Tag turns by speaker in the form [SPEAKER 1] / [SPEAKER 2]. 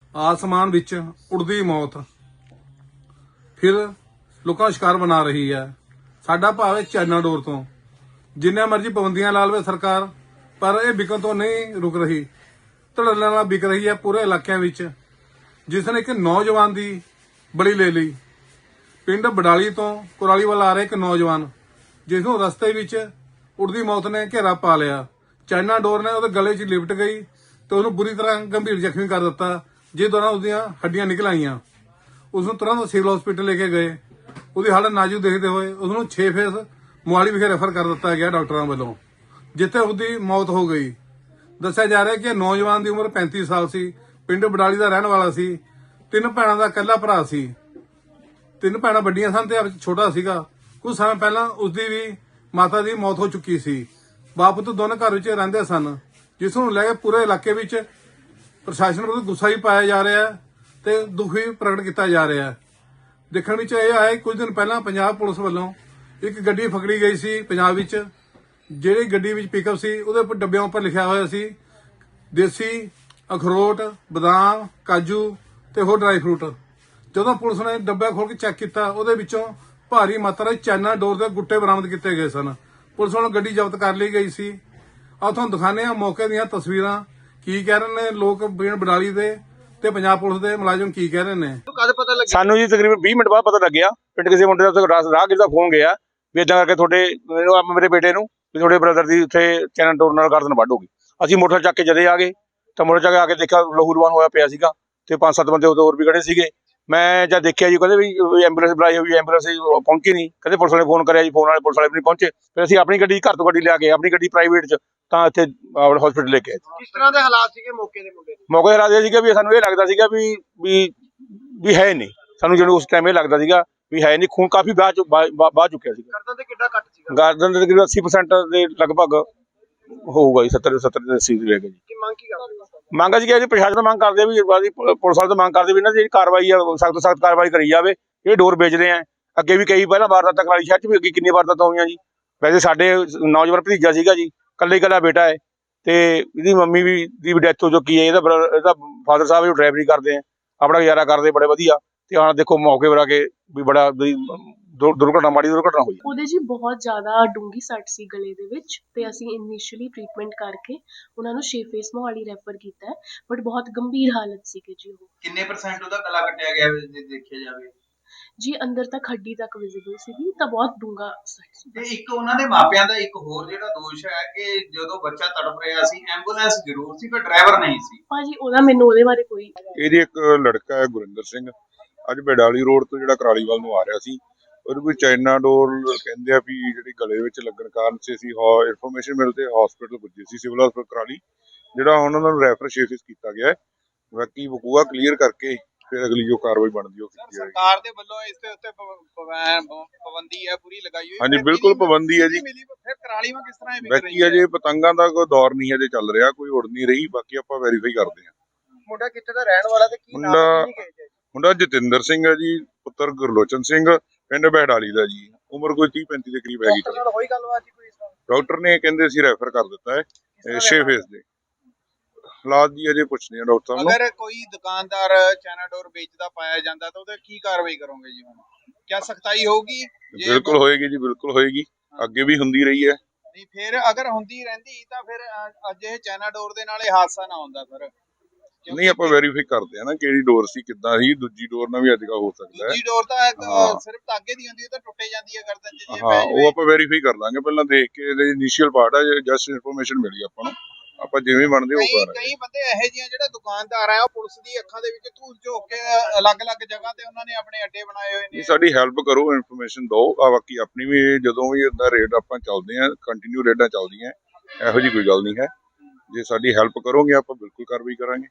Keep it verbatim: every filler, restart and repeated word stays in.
[SPEAKER 1] आसमान विच उड़दी मौत फिर लोगों का शिकार बना रही है। साडा भाव है चाइना डोर तो जिन्ने मर्जी पाबंदियां ला लवे सरकार, पर यह बिकन तो नहीं रुक रही। धड़ल्ले नाल बिक रही है पूरे इलाकों विच, जिसने एक नौजवान की बली ले ली। पिंड बडाली तो कुराली वाल आ रहा एक नौजवान, जिसनों रस्ते विच उड़दी मौत ने घेरा पा लिया। चाइना डोर ने उसके गले च लिपट गई तो उन्होंने बुरी तरह गंभीर जख्मी कर दिता, जिस दौरान उसदियां हड्डियां निकल आईयां। उसनों तुरंत सिविल हॉस्पिटल लेके गए। उसकी हालत नाजुक देखते हुए उसनों छे फेस मोहाली विखे रेफर कर दिता गया डॉक्टरों वालों, जिथे उसकी मौत हो गई। दस्सिया जा रहा है कि नौजवान की उम्र पैंती साल सी, पिंड बडाली का रहने वाला सी, तीन भैणों का इकल्ला भरा सी। तीन भैणां वड्डियां सन ते छोटा सीगा। कुछ समय पहला उसकी भी माता की मौत हो चुकी सी। बाप तो दोनों घर विच रहिंदे सन, जिसनूं लैके पूरे इलाके विच प्रशासन विरुद्ध गुस्सा भी पाया जा रहा है ते दुख भी प्रगट किया जा रहा है। देखण विच यह आया कुछ दिन पहला पंजाब पुलिस वालों एक गड्डी फकड़ी गई सी पंजाब विच, जिहड़ी गड्डी विच पिकअप सी उहदे उपर डब्बिਆਂ उपर लिखिया होया सी देसी अखरोट, बादाम, काजू ते होर ड्राई फ्रूट। जदों पुलिस ने डब्बा खोल के चैक किया, उहदे विचों भारी मात्रा चाइना डोर के गुट्टे बरामद किए गए सन। पुलिस वालों गड्डी जब्त कर ली गई सी। आ तुहानूं दिखाने आ मौके दीयां तस्वीरां, की कह रहे ने लोग पिंड बडाली दे ते पंजाब पुलिस दे मुलाजम की कह रहे ने।
[SPEAKER 2] ਸਾਨੂੰ ਜੀ ਤਕਰੀਬਨ ਵੀਹ ਮਿੰਟ ਬਾਅਦ ਪਤਾ ਲੱਗਿਆ, ਪਿੰਡ ਕਿਸੇ ਮੁੰਡੇ ਦਾ ਉੱਥੇ ਰਾਹ- ਰਾਹਗੀਰ ਦਾ ਫੋਨ ਗਿਆ ਵੀ ਇਦਾਂ ਕਰਕੇ ਤੁਹਾਡੇ ਮੈਨੂੰ ਆ ਮੇਰੇ ਬੇਟੇ ਨੂੰ ਵੀ ਤੁਹਾਡੇ ਬ੍ਰਦਰ ਦੀ ਉੱਥੇ ਚੈਨਲ ਟੋਰ ਨਾਲ ਗਰਦਨ ਵੱਢ ਹੋ ਗਈ। ਅਸੀਂ ਮੋਟਰ ਚੱਕ ਕੇ ਜਦੇ ਆ ਗਏ ਤਾਂ ਮੋਟਰ ਚੱਕ ਕੇ ਆ ਕੇ ਦੇਖਿਆ ਲਹੂ ਲੁਹਾਨ ਹੋਇਆ ਪਿਆ ਸੀਗਾ ਤੇ ਪੰਜ ਸੱਤ ਬੰਦੇ ਉਦੋਂ ਹੋਰ ਵੀ ਖੜੇ ਸੀਗੇ। ਮੈਂ ਜਦ ਦੇਖਿਆ ਜੀ ਕਹਿੰਦੇ ਵੀ ਐਂਬੂਲੈਂਸ ਬੁਲਾਈ ਹੋਈ, ਐਂਬੂਲੈਂਸ ਪਹੁੰਚੀ ਨਹੀਂ। ਕਹਿੰਦੇ ਪੁਲਿਸ ਵਾਲੇ ਫੋਨ ਕਰਿਆ ਜੀ, ਫੋਨ ਵਾਲੇ ਪੁਲਿਸ ਵਾਲੇ ਵੀ ਨਹੀਂ ਪਹੁੰਚੇ। ਫਿਰ ਅਸੀਂ ਆਪਣੀ ਗੱਡੀ ਘਰ ਤੋਂ ਗੱਡੀ ਲਿਆ ਕੇ ਆਪਣੀ ਗੱਡੀ ਪ੍ਰਾਈਵੇਟ 'ਚ ਤਾਂ ਇੱਥੇ ਹਸਪੀਟਲ ਲੈ ਕੇ ਆਏ।
[SPEAKER 3] ਕਿਸ ਤਰ੍ਹਾਂ ਦੇ ਹਾਲਾਤ ਸੀਗੇ ਮੌਕੇ ਦੇ ਮੁੰਡੇ ਦੇ?
[SPEAKER 2] ਮੌਕੇ ਹਾਲਾਤ ਇਹ ਸੀਗਾ ਵੀ ਸਾਨੂੰ ਇਹ ਲੱਗਦਾ ਸੀਗਾ ਵੀ ਵੀ ਵੀ ਹੈ ਨਹੀਂ, ਸਾਨੂੰ ਜਦੋਂ ਉਸ ਟਾਈਮ ਇਹ ਲੱਗਦਾ ਸੀਗਾ ਵੀ ਹੈ ਨਹੀਂ। ਖੂਨ ਕਾਫੀ ਬਾਅਦ ਚੋਂ ਬਾਅਦ ਚੁੱਕਿਆ ਸੀਗਾ।
[SPEAKER 3] ਗਰਦਨ ਤੇ ਕਿੱਡਾ ਕੱਟ ਸੀਗਾ?
[SPEAKER 2] ਗਰਦਨ ਦੇ ਤਕਰੀਬਨ ਅੱਸੀ ਪਰਸੈਂਟ ਦੇ ਲਗਭਗ ਹੋਊਗਾ ਜੀ, ਸੱਤਰ ਸੱਤਰ ਦੇ ਅੱਸੀ ਦੇ ਹੈਗਾ ਜੀ।
[SPEAKER 3] ਕੀ ਮੰਗ ਕੀ ਕਰਦੇ ਹੋ?
[SPEAKER 2] ਮੰਗ ਅਸੀਂ ਕਿ ਪ੍ਰਸ਼ਾਸਨ ਤੋਂ ਮੰਗ ਕਰਦੇ ਆ ਵੀ ਬਾਦੀ ਪੁਲਿਸ ਵਾਲੇ ਤੋਂ ਮੰਗ ਕਰਦੇ ਵੀ ਇਹਨਾਂ ਦੀ ਜਿਹੜੀ ਕਾਰਵਾਈ ਆ ਸਖਤ ਤੋਂ ਸਖਤ ਕਾਰਵਾਈ ਕਰੀ ਜਾਵੇ। ਇਹ ਡੋਰ ਵੇਚਦੇ ਆ, ਅੱਗੇ ਵੀ ਕਈ ਪਹਿਲਾਂ ਵਾਰਦਾਤਾਂ ਕਰਾਲੀ ਸ਼ਹਿਰ 'ਚ ਵੀ ਅੱਗੇ ਕਿੰਨੀ ਵਾਰਦਾਤਾਂ ਹੋਈਆਂ ਜੀ। ਵੈਸੇ ਸਾਡੇ ਨੌਜਵਾਨ ਭਤੀਜਾ ਸੀਗਾ ਜੀ, ਇਕੱਲੇ ਇਕੱਲਾ ਬੇਟਾ ਹੈ ਤੇ ਇਹਦੀ ਮੰਮੀ ਵੀ ਦੀ ਵੀ ਡੈਥ ਹੋ ਚੁੱਕੀ ਹੈ। ਇਹਦਾ ਬ੍ਰ- ਇਹਦਾ ਫਾਦਰ ਸਾਹਿਬ ਜੋ ਡਰਾਈਵਰੀ ਕਰਦੇ ਆ, ਆਪਣਾ ਗੁਜ਼ਾਰਾ ਕਰਦੇ ਬੜੇ ਵਧੀਆ। ਤੇ ਹਾਂ ਦੇਖੋ ਮੌਕੇ ਪਰ ਆ ਕੇ ਵੀ ਬੜਾ ਵੀ ਦੁਰ- ਦੁਰਘਟਨਾ ਮਾੜੀ ਦੁਰਘਟਨਾ ਹੋਈ।
[SPEAKER 4] ਉਹਦੇ ਜੀ ਬਹੁਤ ਜ਼ਿਆਦਾ ਡੂੰਘੀ ਸੱਟ ਸੀ ਗਲੇ ਦੇ ਵਿੱਚ ਤੇ ਅਸੀਂ ਇਨੀਸ਼ੀਅਲੀ ਟ੍ਰੀਟਮੈਂਟ ਕਰਕੇ ਉਹਨਾਂ ਨੂੰ ਛੇ ਫੇਸ ਮੋਹਾਲੀ ਰੈਫਰ ਕੀਤਾ ਹੈ, ਬਟ ਬਹੁਤ ਗੰਭੀਰ ਹਾਲਤ ਸੀਗੀ ਜੀ ਉਹ।
[SPEAKER 3] ਕਿੰਨੇ ਪਰਸੈਂਟ ਉਹਦਾ ਗਲਾ ਕੱਟਿਆ ਗਿਆ ਜੇ ਦੇਖਿਆ ਜਾਵੇ?
[SPEAKER 4] ਜੀ ਅੰਦਰ ਤੱਕ ਹੱਡੀ ਤੱਕ ਵਿਜ਼ੀਬਲ ਸੀਗੀ, ਤਾਂ ਬਹੁਤ ਡੂੰਘਾ ਸੱਟ ਸੀ।
[SPEAKER 3] ਤੇ ਇੱਕ ਉਹਨਾਂ ਦੇ ਮਾਪਿਆਂ ਦਾ ਇੱਕ ਹੋਰ ਜਿਹੜਾ ਦੋਸ਼ ਹੈ ਕਿ ਜਦੋਂ ਬੱਚਾ ਤੜਪ ਰਿਹਾ ਸੀ ਐਂਬੂਲੈਂਸ ਜ਼ਰੂਰ ਸੀ ਪਰ ਡਰਾਈਵਰ ਨਹੀਂ ਸੀ।
[SPEAKER 4] ਭਾਜੀ ਉਹਦਾ ਮੈਨੂੰ ਉਹਦੇ ਬਾਰੇ ਕੋਈ
[SPEAKER 5] ਇਹਦੀ ਇੱਕ ਲੜਕਾ ਹੈ ਗੁਰਿੰਦਰ ਸਿੰਘ, ਅੱਜ ਬਡਾਲੀ ਰੋਡ ਤੋਂ ਜਿਹੜਾ ਕਰਾਲੀਵਾਲ ਨੂੰ ਆ ਰਿਹਾ ਸੀ। ਉਹਨੂੰ ਕੋਈ ਚਾਈਨਾ ਡੋਰ ਕਹਿੰਦੇ ਆ ਵੀ ਜਿਹੜੀ ਗਲੇ ਵਿੱਚ ਲੱਗਣ ਕਾਰਨ ਸੀ ਅਸੀਂ ਇਨਫੋਰਮੇਸ਼ਨ ਮਿਲਦੇ ਹਸਪੀਟਲ ਪੁੱਜੇ ਸੀ, ਸਿਵਲ ਹਸਪੀਟਲ ਕਰਾਲੀ, ਜਿਹੜਾ ਹੁਣ ਉਹਨਾਂ ਨੂੰ ਰੈਫਰ ਸ਼ੇਫਿਸ ਕੀਤਾ ਗਿਆ ਹੈ। ਬਾਕੀ ਵਕੂਆ ਕਲੀਅਰ ਕਰਕੇ ਫਿਰ ਅਗਲੀ ਜੋ ਕਾਰਵਾਈ ਬਣਦੀ ਉਹ ਕੀਤੀ ਜਾਏਗੀ।
[SPEAKER 3] ਸਰਕਾਰ ਦੇ ਵੱਲੋਂ ਇਸ ਦੇ ਉੱਤੇ ਪਾਬੰਦੀ ਹੈ ਪੂਰੀ ਲਗਾਈ ਹੋਈ?
[SPEAKER 5] ਹਾਂਜੀ ਬਿਲਕੁਲ ਪਾਬੰਦੀ ਹੈ ਜੀ।
[SPEAKER 3] ਫਿਰ ਕਰਾਲੀ ਵਿੱਚ ਕਿਸ ਤਰ੍ਹਾਂ ਇਹ ਵਿਕ
[SPEAKER 5] ਬਾਕੀ
[SPEAKER 3] ਰਹੀ ਹੈ?
[SPEAKER 5] ਅਜੇ ਪਤੰਗਾਂ ਦਾ ਕੋਈ ਦੌਰ ਨਹੀਂ ਅਜੇ ਚੱਲ ਰਿਹਾ, ਕੋਈ ਉੜ ਨਹੀਂ ਰਹੀ। ਬਾਕੀ ਆਪਾਂ ਵੈਰੀਫਾਈ ਕਰਦੇ ਹਾਂ।
[SPEAKER 3] ਮੁੰਡਾ ਕਿੱਥੇ ਦਾ ਰਹਿਣ ਵਾਲਾ ਤੇ ਕੀ ਨਾਮ
[SPEAKER 5] ਮੁੰਡਾ-
[SPEAKER 3] ਕਿੰਨੀ ਕੁ age ਹੈ?
[SPEAKER 5] ਮੁੰਡਾ ਜਤਿੰਦਰ ਸਿੰਘ ਹੈ ਜੀ, ਪੁੱਤਰ ਗੁਰਲੋਚਨ ਸਿੰਘ, ਪਿੰਡ ਬਹਿਡਾਲੀ ਦਾ ਜੀ। ਉਮਰ ਕੋਈ ਤੀਹ ਪੈਂਤੀ ਦੇ ਕਰੀਬ ਹੈਗੀ।
[SPEAKER 3] ਡਾਕਟਰ ਨਾਲ ਹੋਈ ਗੱਲਬਾਤ ਜੀ ਕੋਈ ਇਸ ਤਰ੍ਹਾਂ?
[SPEAKER 5] ਡਾਕਟਰ ਨੇ ਕਹਿੰਦੇ ਅਸੀਂ ਰੈਫਰ ਕਰ ਦਿੱਤਾ ਹੈ ਛੇ ਫੇਸ ਦੇ ਹਾਲਾਤ ਜੀ ਅਜੇ ਕੁਛ ਨਹੀਂ ਹੈ ਡਾਕਟਰ ਸਾਹਿਬ ਨੂੰ।
[SPEAKER 3] ਅਗਰ ਕੋਈ ਦੁਕਾਨਦਾਰ ਚਾਈਨਾ ਡੋਰ ਵੇਚਦਾ ਪਾਇਆ ਜਾਂਦਾ ਤਾਂ ਉਹਦੇ ਕੀ ਕਾਰਵਾਈ ਕਰੋਗੇ ਜੀ ਹੁਣ? ਕਿਆ ਸਖਤਾਈ ਹੋਊਗੀ? ਜੇ
[SPEAKER 5] ਬਿਲਕੁਲ ਹੋਏਗੀ ਜੀ, ਬਿਲਕੁਲ ਹੋਏਗੀ। ਅੱਗੇ ਵੀ ਹੁੰਦੀ ਰਹੀ ਹੈ।
[SPEAKER 3] ਨਹੀਂ ਫਿਰ ਅਗਰ ਹੁੰਦੀ ਰਹਿੰਦੀ ਤਾਂ ਫਿਰ ਅ- ਅੱਜ ਇਹ ਚਾਈਨਾ ਡੋਰ ਦੇ ਨਾਲ ਇਹ ਹਾਦਸਾ ਨਾ ਹੁੰਦਾ ਸਰ।
[SPEAKER 5] ਨਹੀਂ ਆਪਾਂ ਵੈਰੀਫਾਈ ਕਰਦੇ ਆ ਨਾ ਕਿਹੜੀ ਡੋਰ ਸੀ, ਕਿੱਦਾਂ ਸੀ। ਦੂਜੀ ਡੋਰ ਨਾਲ ਵੀ ਅੱਜ ਕੱਲ੍ਹ ਹੋ ਸਕਦਾ ਹੈ।
[SPEAKER 3] ਦੂਜੀ ਡੋਰ ਤਾਂ ਇੱਕ,
[SPEAKER 5] ਹਾਂ।
[SPEAKER 3] ਸਿਰਫ ਧਾਗੇ ਦੀ ਹੁੰਦੀ ਹੈ ਤਾਂ ਟੁੱਟੇ ਜਾਂਦੀ ਹੈ ਗਰਦਨ 'ਚ ਜੇ
[SPEAKER 5] ਹਾਂ
[SPEAKER 3] ਪੈ
[SPEAKER 5] ਉਹ
[SPEAKER 3] ਜਾਵੇ।
[SPEAKER 5] ਆਪਾਂ ਵੈਰੀਫਾਈ ਕਰ ਲਾਂਗੇ। ਪਹਿਲਾਂ ਦੇਖ ਕੇ ਇਹਦੇ ਇਨੀਸ਼ੀਅਲ ਪਾਰਟ ਹੈ, ਜਸਟ ਇਨਫੋਰਮੇਸ਼ਨ ਮਿਲੀ ਆਪਾਂ ਨੂੰ, ਆਪਾਂ ਜਿਵੇਂ ਬਣਦੇ ਉਹ
[SPEAKER 3] ਕਈ
[SPEAKER 5] ਕਰਾਂਗੇ।
[SPEAKER 3] ਕਈ ਬੰਦੇ ਇਹੋ ਜਿਹੇ ਜਿਹੜੇ ਦੁਕਾਨਦਾਰ ਆ ਉਹ ਪੁਲਿਸ ਦੀ ਅੱਖਾਂ ਦੇ ਵਿੱਚ ਧੂਲ ਝੋਕ ਕੇ ਅਲੱਗ-ਅਲੱਗ ਜਗ੍ਹਾ ਤੇ ਉਹਨਾਂ ਨੇ ਆਪਣੇ ਅੱਡੇ ਬਣਾਏ ਹੋਏ ਨੇ।
[SPEAKER 5] ਨਹੀਂ ਸਾਡੀ ਹੈਲਪ ਕਰੋ, ਇਨਫੋਰਮੇਸ਼ਨ ਦਿਓ। ਆ ਬਾਕੀ ਆਪਣੀ ਵੀ ਜਦੋਂ ਵੀ ਇਦਾਂ ਰੇਡ ਆਪਾਂ ਚੱਲਦੇ ਆ, ਕੰਟੀਨਿਊ ਰੇਡਾਂ ਚੱਲਦੀਆਂ, ਇਹੋ ਜਿਹੀ ਕੋਈ ਗੱਲ ਨਹੀਂ ਹੈ। ਜੇ ਸਾਡੀ ਹੈਲਪ ਕਰੋਗੇ ਆਪਾਂ ਬਿਲਕੁਲ ਕਾਰਵਾਈ ਕਰਾਂਗੇ।